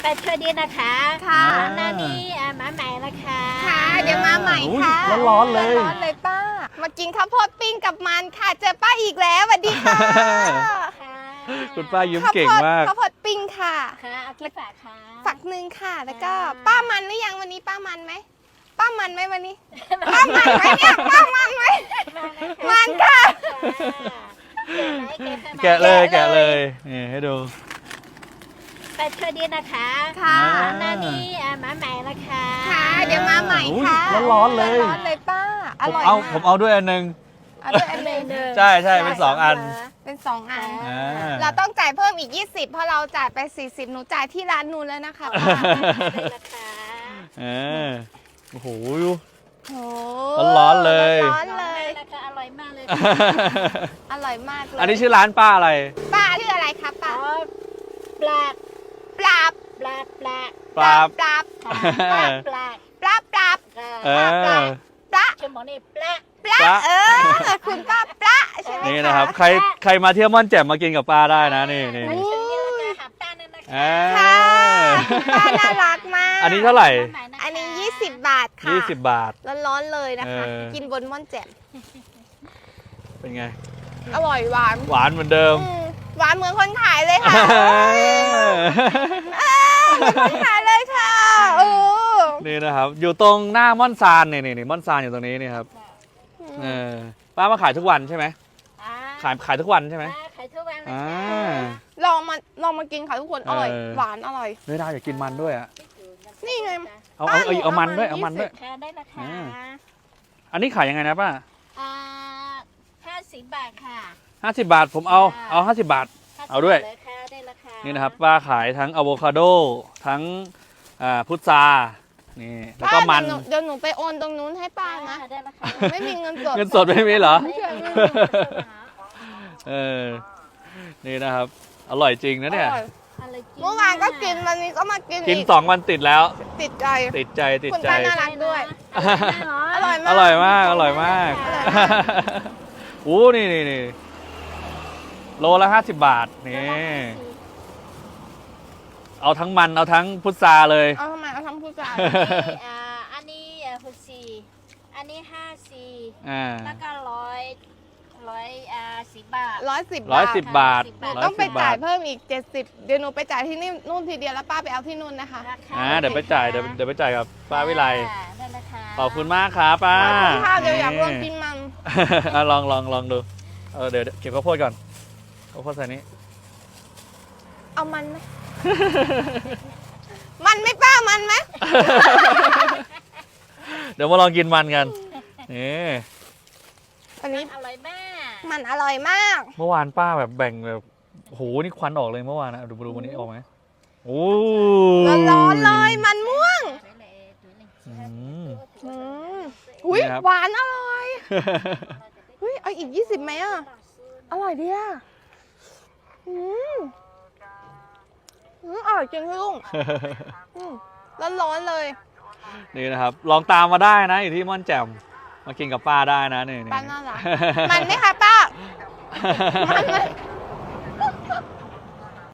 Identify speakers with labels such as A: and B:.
A: ไปช่วยดีนะคะ
B: ค่ะ
A: หน้านี้มาใหม่นะคะ
B: ค่ะเดี๋ยวมาใหม่ค่ะ
C: ร้อนๆเลย
B: ร้อนๆเลยป้า มากินข้าวโพดปิ้งกับมันค่ะ เจอป้าอีกแล้วสวัสดีค่ะ
A: ค่ะ
C: คุณป้ายิ้มเก่งมาก
B: ข้าวโพดปิ้งค่ะ
A: ค่ะเอากี่ฝากค่ะ
B: ฝักหนึ่งค่ะ แล้วก็ป้ามันหรือยังวันนี้ป้ามันไหมป้ามันไหมวันนี้ ป้ามันไหมเนี่ยป้ามันไหมมันค่ะ
C: แกะเลยแกะเลยนี่ให้ดู
A: ไปช่วยดีนะคะ
B: ค่ะ
A: หน้านี้มาใหม่นะคะ
B: ค่ะ เดี๋ยวมาใหม่ค่ะ
C: ร้อนๆเลย
B: ร้อนๆเลยป้า อ
C: ผม
B: ร่อย
C: เอา
B: มาก
C: ผมเอาด้วยอันหนึง
B: เอาด้วยอันหนึ่ง
C: ใช่ใช่เป็น2 อัน
B: เป็น2 อัน
C: อ่า
B: เราต้องจ่ายเพิ่มอีก 20 เพราะเราจ่ายไป 40 หนูจ่ายที่ร้านนู้นแล้วนะคะป้า
A: ได้นะคะ
C: โอ้โห
B: โอ้
C: ร้อนๆเลย
B: ร้อนๆเลย
A: นะคะอร่อยมากเลย
B: อร่อยมากเลย
C: อันนี้ชื่อร้านป้าอะไร
B: ป้าชื่ออะไรคะป้า
A: อ๋อปลา
B: ปลาบ
A: ปลาปลา
C: ปลาบ
B: ปลาบ
A: ค่ะปลา
B: ปลาบปลาบ
C: เออ
B: ปลา
A: ชั่วโมงนี้ปลา
B: ปลา
C: ปลา
B: คุณป้าปลาใช่ไหม
C: นี่นะครับ ใครมาเที่ยวม่อนแจ่มมากินกับป้าได้นะนี่นี่
A: อันนี้ชุดนี้ราคาหับต้านนั่นนะคะ
C: อ่า
B: ค่ะป้าน่ารักมาก
C: อันนี้เท่าไหร่
B: อันนี้ 20 บาทค่ะ
C: 20 บาท
B: ร้อนๆเลยนะคะ
C: เออ
B: กินบนม่อนแจ่ม
C: เป็นไง
B: อร่อยหวาน
C: หวานเหมือนเดิม
B: หวานเหมือนคนขายเลยค่ะเหมือนคนขายเลยค่ะโอ้
C: นี่นะครับ อยู่ตรงหน้าม่อนซานนี่ม่อนซานอยู่ตรงนี้นี่ครับเออป้ามาขายทุกวันใช่ไหมขายทุกวันใช่ไหม
A: ขายทุกวันนะ
C: อ่า
A: คะ
B: ลองมากินค่ะทุกคนอร่อย หวานอร่อย
C: ไม่ได้อยากกินมันด้วยอ่ะ
B: นี่ไง
C: เอามันด้วยเอามันด้วย
A: ค่ะได้นะคะ
C: อันนี้ขายยังไงนะป้า
A: 50 บาทค่ะ
C: 50 บาทผมเอา50 บาท เอาด้วย
A: 50 ค่ะได้ราคา
C: นี่นะครับป้าขายทั้งอะโวคาโดทั้งพุทรานี่แล้วก็มัน
B: เดี๋ยวหนูไปโอนตรงนู้นให้ป้านะ
A: ได้ราคา
B: ไม่มีเงินสด
C: เงินสดไม่มีเหรอ
B: ไม่มีเงินสด
C: เออนี่นะครับ อร่อยจริงนะเนี่ย
B: อร่อยเมื่อวานก็กินวันนี้ก็มากิน
C: กิน
B: อีก
C: 2 วันติดแล้ว
B: ติดใจ
C: ติดใจ
B: คุณป้าน่ารักด้วย อร่อยมาก
C: อร่อยมากอร่อยมาก
B: อร่อยมาก
C: อู้นี่โลละ50 บาทนี่เอาทั้งมันเอาทั้งพุทราเลย
B: เอาทำไมเอาทำผู้ชาย
A: อันนี้64อันนี้54
C: อ่า
A: แล้วก็110 บาท
B: 110 บาท
C: 110 บาท
B: หนูต้องไป
C: 110
B: จ่าย
C: บท
B: เพิ่มอีก 70 เดี๋ยวหนูไปจ่ายที่นี่นู่นทีเดียวแล้วป้าไปเอาที่นู่นนะคะ
C: เดี๋ยวไปจ่ายเดี๋ยวไปจ่ายกับป้าวิไล
A: ได้ราคา
C: ขอบคุณมากครับป้า
B: ขอบคุณค่ะเดี๋ยวอยากลองกินมัน
C: ลองดูเดี๋ยวเก็บข้าวโพดก่อนข้าวโพดใส่นี้
B: เอามันไหม มันไหม่ป้ามันไหม
C: เดี๋ยวมาลองกินมันกันนี่
B: อันนี้
A: อร่อยมาก
B: มันอร่อยมาก
C: เมื่อวานป้าแบบแบ่งแบบโอ้โหนี่ควันออกเลยเมื่อวานนะดูวันนี้ออกไหมโอ้
B: ร้อนๆเลยมันม่วง
C: อืม
B: อุ้ย
C: นี่ครับ
B: หวานอร่อยอุ้ยเอาอีก 20ไหมอ่ะ อร่อยดีอ่ะอร่อยจริงพี่ลุงร้อนๆเลย
C: นี่นะครับ ลองตามมาได้นะอยู่ที่ม่อนแจ่มมากินกับป้าได้นะนี่
B: ป้าน่ารักมันไหมคะป้า มันไหม